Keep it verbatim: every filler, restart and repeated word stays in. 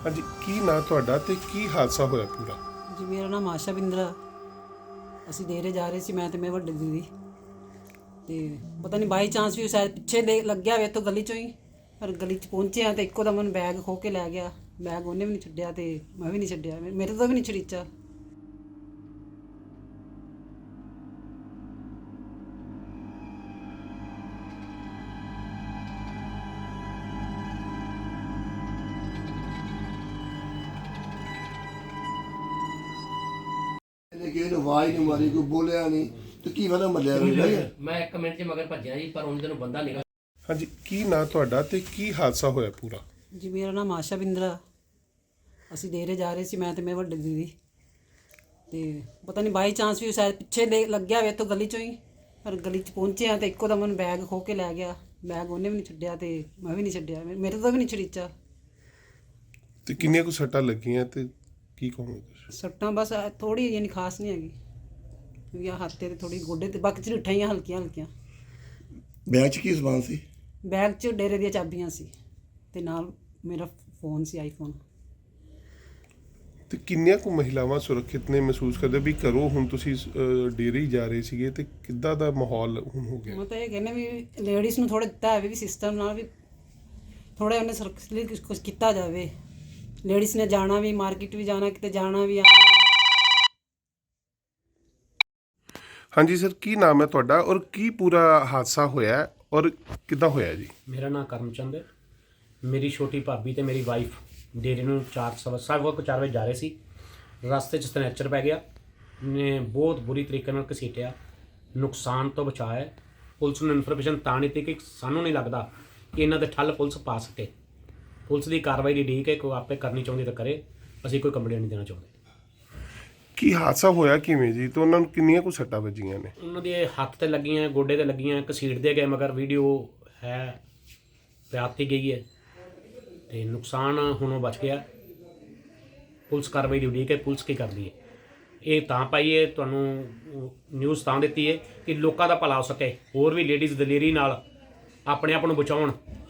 ਹਾਂਜੀ, ਕੀ ਨਾਂ ਤੁਹਾਡਾ ਤੇ ਕੀ ਹਾਦਸਾ ਹੋਇਆ ਪੂਰਾ? ਜੀ ਮੇਰਾ ਨਾਮ ਆਸ਼ਾ ਬਿੰਦਰਾ। ਅਸੀਂ ਦੇਰੇ ਜਾ ਰਹੇ ਸੀ, ਮੈਂ ਤੇ ਮੇਰੇ ਵੱਡੇ ਦੀਦੀ, ਤੇ ਪਤਾ ਨਹੀਂ ਬਾਈ ਚਾਂਸ ਵੀ ਸ਼ਾਇਦ ਪਿੱਛੇ ਦੇ ਲੱਗਿਆ ਵੇ ਤੋਂ ਗਲੀ ਚੋਂ ਹੀ, ਪਰ ਗਲੀ 'ਚ ਪਹੁੰਚਿਆ ਤੇ ਇੱਕੋ ਦਮ ਬੈਗ ਖੋ ਕੇ ਲੈ ਗਿਆ। ਬੈਗ ਉਹਨੇ ਵੀ ਨਹੀਂ ਛੱਡਿਆ ਤੇ ਮੈਂ ਵੀ ਨਹੀਂ ਛੱਡਿਆ, ਮੇਰੇ ਤੋਂ ਵੀ ਨਹੀਂ ਛੜੀਚਾ। ਇਹਨੇ ਕਿਸੇ ਨੂੰ ਆਵਾਜ਼ ਨਹੀਂ ਮਾਰੀ, ਕੋਈ ਬੋਲਿਆ ਨਹੀਂ ਤੇ ਕੀ ਪਤਾ ਮੱਲਿਆ ਨਹੀਂ। ਮੈਂ ਇੱਕ ਮਿੰਟ 'ਚ ਮਗਰ ਭੱਜਿਆ ਜੀ, ਪਰ ਉਹਨਾਂ ਨੂੰ ਬੰਦਾ ਨਿਕਲ। ਹਾਂਜੀ, ਕੀ ਨਾਂ ਤੁਹਾਡਾ ਤੇ ਕੀ ਹਾਦਸਾ ਹੋਇਆ ਪੂਰਾ? ਜੀ ਮੇਰਾ ਨਾਮ ਆਸ਼ਾ ਬਿੰਦਰਾ। ਅਸੀਂ ਦੇਰੇ ਜਾ ਰਹੇ ਸੀ, ਮੈਂ ਤੇ ਮੇਰੇ ਵੱਡੇ ਦੀਦੀ, ਤੇ ਪਤਾ ਨਹੀਂ ਬਾਈ ਚਾਂਸ ਵੀ ਸ਼ਾਇਦ ਪਿੱਛੇ ਦੇ ਲੱਗਿਆ ਵੇ ਤੋਂ ਗਲੀ ਚੋਂ ਹੀ, ਪਰ ਗਲੀ 'ਚ ਪਹੁੰਚਿਆ ਤੇ ਇੱਕੋ ਦਮ ਬੈਗ ਖੋ ਕੇ ਲੈ ਗਿਆ। ਬੈਗ ਉਹਨੇ ਵੀ ਨਹੀਂ ਛੱਡਿਆ ਤੇ ਮੈਂ ਵੀ ਨਹੀਂ ਛੱਡਿਆ, ਮੇਰੇ ਤੋਂ ਵੀ ਨਹੀਂ ਛੜੀਚਾ। ਤੇ ਕਿੰਨੀਆਂ ਕੁ ਸੱਟਾਂ ਲੱਗੀਆਂ ਤੇ ਕੀ ਕਹੋਗੇ ਤੁਸੀਂ? ਸੱਟਾਂ ਬਸ ਥੋੜੀ ਯਾਨੀ ਖਾਸ ਨਹੀਂ ਹੈਗੀ, ਵੀ ਆਹ ਹੱਥ ਤੇ ਥੋੜੀ ਗੋਡੇ ਤੇ, ਬਾਕੀ ਝਰੀਟਾਂ ਹੀ ਹਲਕੀਆਂ ਹਲਕੀਆਂ। ਬੈਗ 'ਚ ਕੀ ਸਮਾਨ ਸੀ? ਬੈਗ 'ਚ ਡੇਰੇ ਦੀਆਂ ਚਾਬੀਆਂ ਸੀ ਤੇ ਨਾਲ ਮੇਰਾ ਫੋਨ ਸੀ, ਆਈਫੋਨ। ਤੇ ਕਿੰਨੀਆਂ ਕੁ ਮਹਿਲਾਵਾਂ ਸੁਰੱਖਿਅਤ ਨੇ ਮਹਿਸੂਸ ਕਰਦੇ ਵੀ ਘਰੋਂ ਹੁਣ ਤੁਸੀਂ ਅਹ, ਡੇਰੇ ਹੀ ਜਾ ਰਹੇ ਸੀਗੇ ਤੇ ਕਿੱਦਾਂ ਦਾ ਮਾਹੌਲ ਹੁਣ ਹੋ ਗਿਆ? ਮੈਂ ਤਾਂ ਇਹ ਕਹਿੰਦਾ ਵੀ ਲੇਡੀਜ਼ ਨੂੰ ਥੋੜਾ ਦਿੱਤਾ ਹੈ ਵੀ ਸਿਸਟਮ ਨਾਲ ਵੀ ਥੋੜਾ ਉਹਨੇ ਸੁਰੱਖਿਅਤ ਲਈ ਕੁਛ ਕੁਛ ਕੀਤਾ ਜਾਵੇ। ਲੇਡੀਜ਼ ਨੇ ਜਾਣਾ ਵੀ, ਮਾਰਕੀਟ ਵੀ ਜਾਣਾ, ਕਿਤੇ ਜਾਣਾ ਵੀ ਆਉਣਾ। ਹਾਂਜੀ ਸਰ, ਕੀ ਨਾਮ ਹੈ ਤੁਹਾਡਾ ਔਰ ਕੀ ਪੂਰਾ ਹਾਦਸਾ ਹੋਇਆ ਔਰ ਕਿੱਦਾਂ ਹੋਇਆ ਜੀ? ਮੇਰਾ ਨਾਮ ਕਰਮਚੰਦ ਹੈ। ਮੇਰੀ ਛੋਟੀ ਭਾਬੀ ਤੇ ਮੇਰੀ ਵਾਈਫ ਡੇਰੇ ਨੂੰ ਚਾਰ ਸਵਾ ਸਵਾ ਕੁ ਚਾਰ ਵਜੇ ਜਾ ਰਹੇ ਸੀ। ਰਸਤੇ 'ਚ ਸਨੈਚਰ ਪੈ ਗਿਆ, ਨੇ ਬਹੁਤ ਬੁਰੀ ਤਰੀਕੇ ਨਾਲ ਘਸੀਟਿਆ। ਨੁਕਸਾਨ ਤੋਂ ਬਚਾਇਆ। ਪੁਲਿਸ ਨੂੰ ਇਨਫੋਰਮੇਸ਼ਨ ਤਾਂ ਨਹੀਂ ਦਿੱਤੀ ਕਿ ਸਾਨੂੰ ਨਹੀਂ ਲੱਗਦਾ ਕਿ ਇਹਨਾਂ ਦੇ ਠੱਲ ਪੁਲਿਸ ਪਾ ਸਕੇ। ਪੁਲਿਸ ਦੀ ਕਾਰਵਾਈ ਦੀ ਉਡੀਕ ਹੈ, ਕੋਈ ਆਪੇ ਕਰਨੀ ਚਾਹੁੰਦੀ ਤਾਂ ਕਰੇ, ਅਸੀਂ ਕੋਈ ਕੰਪਲੇਂਟ ਨਹੀਂ ਦੇਣਾ ਚਾਹੁੰਦੇ। ਕੀ ਹਾਦਸਾ ਹੋਇਆ ਕਿਵੇਂ ਜੀ ਤੇ ਉਹਨਾਂ ਨੂੰ ਕਿੰਨੀਆਂ ਕੁ ਸੱਟਾਂ ਵੱਜੀਆਂ ਨੇ? ਉਹਨਾਂ ਦੇ ਹੱਥ ਤੇ ਲੱਗੀਆਂ, ਗੋਡੇ ਤੇ ਲੱਗੀਆਂ, ਘਸੀਟਦੇ ਗਏ, ਮਗਰ ਵੀਡੀਓ ਹੈ ਪਿਆਤੀ ਗਈ ਹੈ ਤੇ ਨੁਕਸਾਨ ਹੁਣ ਉਹ ਬਚ ਗਿਆ। ਪੁਲਿਸ ਕਾਰਵਾਈ ਦੀ ਉਡੀਕ ਹੈ, ਪੁਲਿਸ ਕੀ ਕਰਦੀ ਹੈ। ਇਹ ਤਾਂ ਪਾਈਏ ਤੁਹਾਨੂੰ ਨਿਊਜ਼ ਤਾਂ ਦਿੱਤੀ ਹੈ ਕਿ ਲੋਕਾਂ ਦਾ ਭਲਾ ਹੋ ਸਕੇ, ਹੋਰ ਵੀ ਲੇਡੀਜ਼ ਦਲੇਰੀ ਨਾਲ ਆਪਣੇ ਆਪ ਨੂੰ ਬਚਾਉਣ।